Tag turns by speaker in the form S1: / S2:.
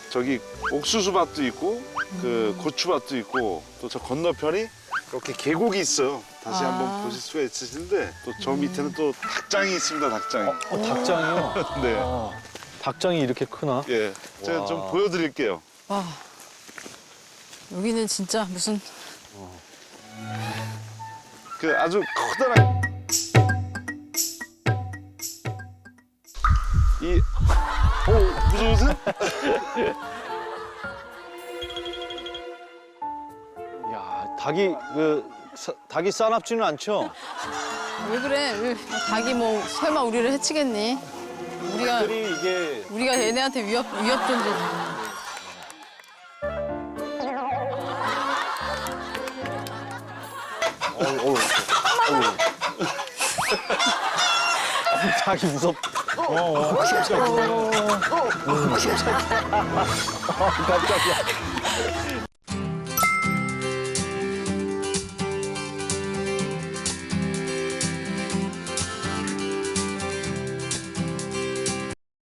S1: 저기 옥수수밭도 있고 그 고추밭도 있고 또 저 건너편이 이렇게 계곡이 있어요. 다시 한번 보실 수가 있으신데 또 저 밑에는 또 닭장이 있습니다. 닭장이.
S2: 닭장이요?
S1: 네.
S2: 닭장이 이렇게 크나?
S1: 예. 제가 좀
S2: 와.
S1: 보여드릴게요.
S3: 와. 여기는 진짜 무슨
S1: 그 아주 커다란 이 무서우세요?
S2: 야, 닭이 싸납지는 않죠?
S3: 왜 그래? 왜 닭이 뭐 설마 우리를 해치겠니?
S2: 닭들이 이게
S3: 우리가 얘네한테 위협 존재지.
S2: 닭이 무섭다. 깜짝이야.